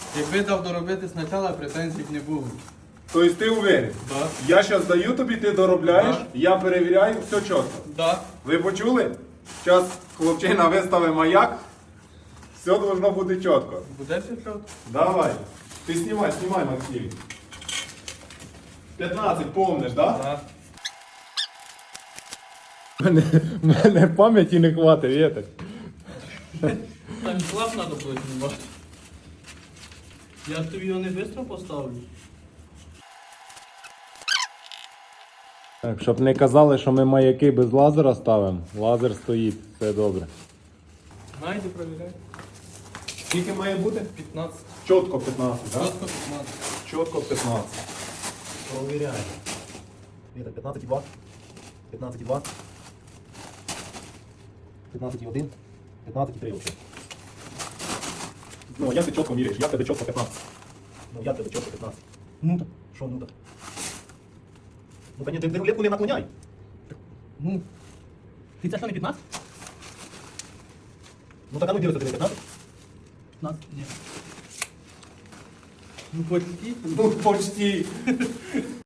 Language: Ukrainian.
Якби дав доробити спочатку, претензій б не було. Тобто ти уверен? Так. Я зараз даю тобі, ти доробляєш, Так. я перевіряю, все чітко. Так. Ви почули? Зараз хлопчина виставить маяк, все должно бути чітко. Буде все чітко? Давай. Ти знімай, Максим. 15 помниш, так? Так. Мене пам'яті не хватить, вітер. Там клап треба було знімати. Я ж тобі його не швидко поставлю. Так, щоб не казали, що ми маяки без лазера ставимо. Лазер стоїть, все добре. Найди, провіряй. Скільки має бути? 15. Чітко 15, так? Просто 15. Чітко 15. Провіряємо. Вітер, 15,2. 15,2. 15,1. 15,3 вообще. Ну, як ти чітко міряєш? Як тебе чітко 15? Ну, як тебе чітко 15? Ну так. Що ну так? Ну, конечно, ти рулетку не наклоняй. Ну. Ти це що не 15? Ну, так, а ну дивися, тебе 15? 15? Ні. Ну, почти. Ну, почти.